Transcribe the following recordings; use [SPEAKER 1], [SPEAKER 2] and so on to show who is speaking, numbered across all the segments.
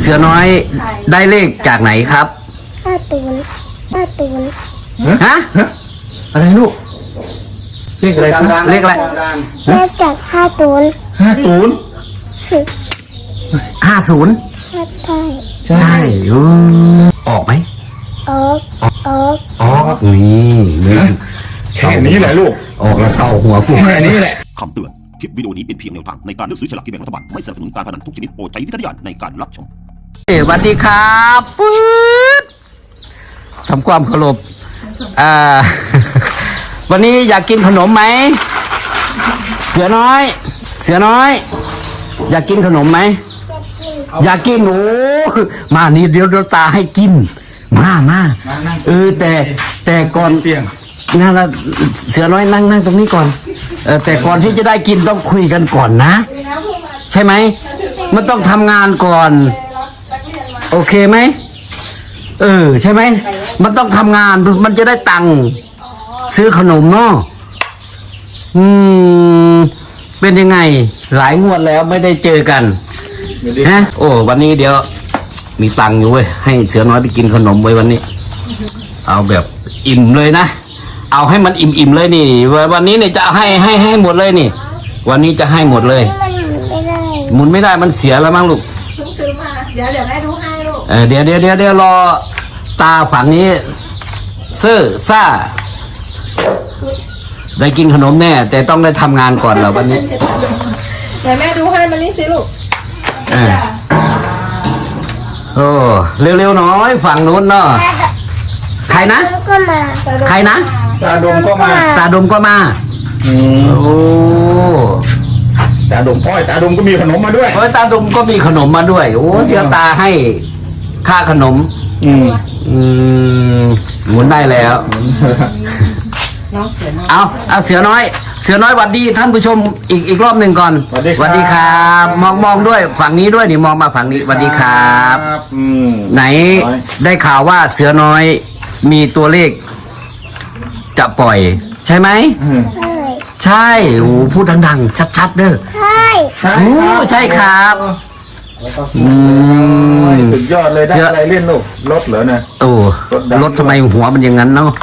[SPEAKER 1] เสือน้อยได้เลขจากไหนครับฮะ
[SPEAKER 2] อะไรลูกเลขอะไรครับ
[SPEAKER 1] เลขอะไร
[SPEAKER 3] ได้จาก50
[SPEAKER 1] 50ใช่ออกไหม
[SPEAKER 3] ออก
[SPEAKER 1] นี่
[SPEAKER 2] แค่นี้แหละลูก
[SPEAKER 1] ออกแล้วเกาหัวกู
[SPEAKER 2] แค่นี้แหละ
[SPEAKER 4] คำเตือน คลิปวิดีโอนี้เป็นเพียงแนวทางในการเลือกซื้อฉลากกินแบ่งรัฐบาล ไม่สนับสนุนการพนันทุกชนิดโปรดใช้วิจารณญาณในการรับชม
[SPEAKER 1] สวัสดีครับปื๊ดทำความเคารพวันนี้อยากกินขนมไหมเสือน้อย อยากกินขนมไหมอยากกินโอ้มานี่เดี๋ยวตาให้กินมาแต่ก่อนนั่นละเสือน้อยนั่งตรงนี้ก่อนแต่ก่อนที่จะได้กินต้องคุยกันก่อนนะใช่ไหมมันต้องทำงานก่อนโอเคไหมใช่ไหมมันต้องทำงานมันจะได้ตังค์ซื้อขนมเนาะเป็นยังไงหลายงวดแล้วไม่ได้เจอกันฮะโอ้วันนี้เดี๋ยวมีตังค์อยู่เว้ยให้เสือน้อยไปกินขนมไว้วันนี้เอาแบบอิ่มเลยนะเอาให้มันอิ่มเลยนี่วันนี้เนี่ยจะให้หมดเลยนี่วันนี้จะให้หมดเลยหมุนไม่ได้มันเสียแล้วมั้งลูก
[SPEAKER 5] เพิ่งซื้อมาเดี๋ยวแม่ดูให้ลูก
[SPEAKER 1] เดี๋ยวรอตาฝั่งนี้ซื่อซ่าได้กินขนมแน่แต่ต้องได้ทำงานก่อนเหรอวันนี้
[SPEAKER 5] เดี๋ยวแม่ดูให้มันนี่สิลูก
[SPEAKER 1] โอ้เร็วๆหน่อยฝั่งนู้นเนาะใครนะใครนะ
[SPEAKER 2] ตาดมก็มา
[SPEAKER 1] ตาดมก็มาโอ้
[SPEAKER 2] ตาดมตาดมก็มีขนมมาด้วย
[SPEAKER 1] ตาดมก็มีขนมมาด้วยโอ้เดี๋ยวตาให้ค่าขนมหมุนได้แล้วเอาเสือน้อยหวัดดีท่านผู้ชมอีกรอบหนึ่งก่อนสวัสดีครับมองด้วยฝั่งนี้ด้วยนี่มองมาฝั่งนี้สวัสดีครับไหนได้ข่าวว่าเสือน้อยมีตัวเลขจะปล่อยใช่ไหมใช่โอ้พูดดังๆชัดๆเด้อใช่ครับ
[SPEAKER 2] สุดยอดเลยได้อะไรเล่นลูกรถเหรอนะ
[SPEAKER 1] โอ้รถทำไมหัวมันอย่างนั้นเนาะ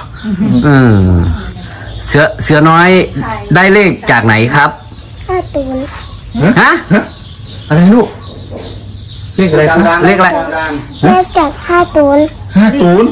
[SPEAKER 1] เสือน้อยได้เลขจากไหนครับฮะ
[SPEAKER 2] อะไรลูกเลขอะไรครับ
[SPEAKER 1] เลขอะไร
[SPEAKER 3] ได้จาก50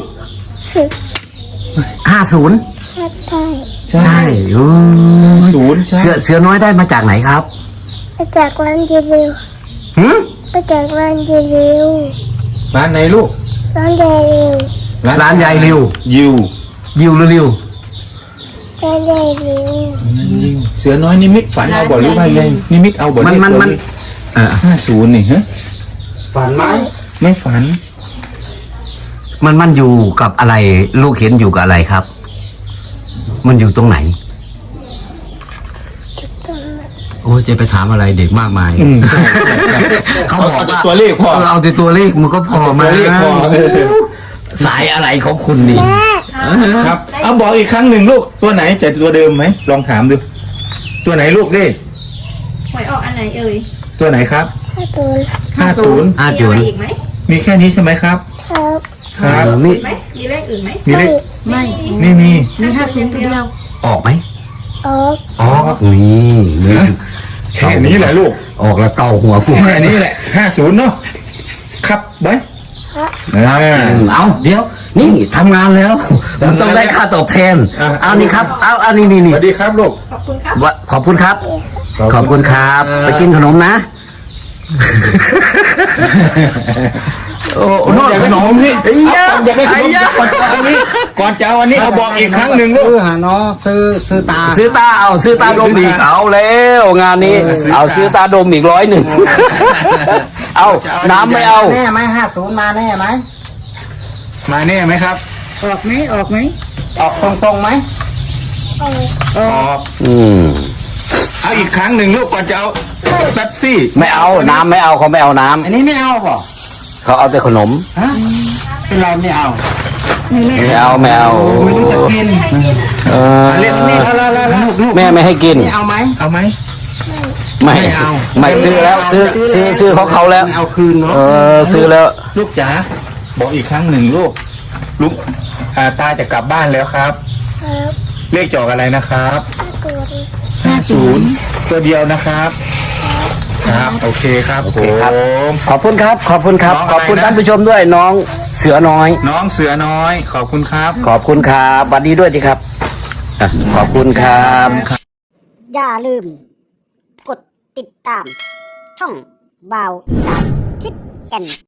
[SPEAKER 1] ใช่
[SPEAKER 2] 0
[SPEAKER 1] เสือน้อยได้มาจากไหนครับ
[SPEAKER 3] มาจากร้านเยลิวมาจากร้านเยลิว
[SPEAKER 2] ร้านไหนลูก
[SPEAKER 3] ร้านเยลิว
[SPEAKER 1] ร้านยายริวยิวหรือริว
[SPEAKER 3] ร้านเยลิว
[SPEAKER 2] เสือน้อยนิมิตฝันเอาบ่หรือไม่เลยนิมิตเอาบ่
[SPEAKER 1] มัน
[SPEAKER 2] 50นี่ฮะ
[SPEAKER 1] ฝันไหม
[SPEAKER 2] ไม่ฝัน
[SPEAKER 1] มันอยู่กับอะไรลูกเห็นอยู่กับอะไรครับมันอยู่ตรงไหนโอ้จะไปถามอะไรเด็กมากมายเขาบอกว่า
[SPEAKER 2] ตัวเลขพอ
[SPEAKER 1] เอาแต่ตัวเลขมันก็พอมาสายอะไรของคุณนี่
[SPEAKER 2] ครับเอาบอกอีกครั้งหนึ่งลูกตัวไหนจะตัวเดิมไหมลองถามดูตัวไหนลูกเลข
[SPEAKER 5] หวยออกอันไหนเอ่ย
[SPEAKER 2] ตัวไหนครับ
[SPEAKER 5] 50มีอะไรอีกไหม
[SPEAKER 2] มีแค่นี้ใช่ไหมครับ
[SPEAKER 5] ครับมีไหมมีเลขอื่นไหม
[SPEAKER 2] มีเลข
[SPEAKER 5] ไม่
[SPEAKER 2] มี
[SPEAKER 5] 50ตัวเดียว
[SPEAKER 1] ออกไหม
[SPEAKER 3] ออก
[SPEAKER 1] นี่
[SPEAKER 2] แค่นี้แหละลูก
[SPEAKER 1] ออกแล้วเกาหัวกู
[SPEAKER 2] แค่นี้แหละ50เนาะครับไว้
[SPEAKER 1] เอาเดี๋ยวนี่ทำงานแล้วมันต้องได้ค่าตอบแทนเอานี่ครับเอาอันนี้
[SPEAKER 2] สวัสดีครับลูก
[SPEAKER 5] ขอบคุณครับ
[SPEAKER 1] ขอบคุณครับไปกินขนมนะ
[SPEAKER 2] โอ้นอกจากขนมนี่อยากได้ขนมก่อนจะเอาอันนี้เอาบอกอีกครั้งหนึ่งลูก
[SPEAKER 6] ซื้อหาเนาะซื้อตา
[SPEAKER 1] ซื้อตาดมอีกเอาแล้วงานนี้เอาซื้อตาดมอีก100เอาน้ำไม่เอา
[SPEAKER 6] แน่ไหม50มาแน่ไหม
[SPEAKER 2] มาแน่ไหมครับ
[SPEAKER 6] ออกไหมออกตรงไหม
[SPEAKER 2] ออกเอาอีกครั้งหนึ่งลูกก่อนจะเอาเป๊ปซี่
[SPEAKER 1] ไม่เอาน้ำไม่เอาเขาไม่เอาน้ำ
[SPEAKER 6] อันนี้ไม่เอาป่ะ
[SPEAKER 1] เขาเอาแต่ขนม
[SPEAKER 6] เป็นไรไม่เอา
[SPEAKER 1] ไม่เอา
[SPEAKER 6] ไม่รู้จะกิน
[SPEAKER 2] เล่นนี่
[SPEAKER 1] แม่ไม่ให้กิน
[SPEAKER 6] เอาไหม
[SPEAKER 1] ไม่
[SPEAKER 2] ไม่เอา
[SPEAKER 1] ไม่ซื้อแล้วซื้อของเขาแล้ว
[SPEAKER 6] ไม่เอาคืนเนาะ
[SPEAKER 1] ซื้อแล้ว
[SPEAKER 2] ลูกจ๋าบอกอีกครั้งหนึ่งลูกตาจะกลับบ้านแล้วครับ
[SPEAKER 3] ครับ
[SPEAKER 2] เลขจอกอะไรนะครับ
[SPEAKER 3] 50
[SPEAKER 2] ตัวเดียวนะครับ ครับโอเคครับ
[SPEAKER 1] โอ
[SPEAKER 2] ผ
[SPEAKER 1] เคครับ
[SPEAKER 2] ม
[SPEAKER 1] ขอบคุณครับ ขอบคุณครับ
[SPEAKER 2] น้องอะไรนะ
[SPEAKER 1] ขอบคุณท่านผู้ชมด้วยน้องเสือน้อย
[SPEAKER 2] น้องเสือน้อย ขอบคุณครับ
[SPEAKER 1] ขอบคุณครับสวัสดีด้วยสิครับอ่ะขอบคุณครับ
[SPEAKER 7] อย่าลืม กดติดตาม ช่องบาวอีสานทิศแก่น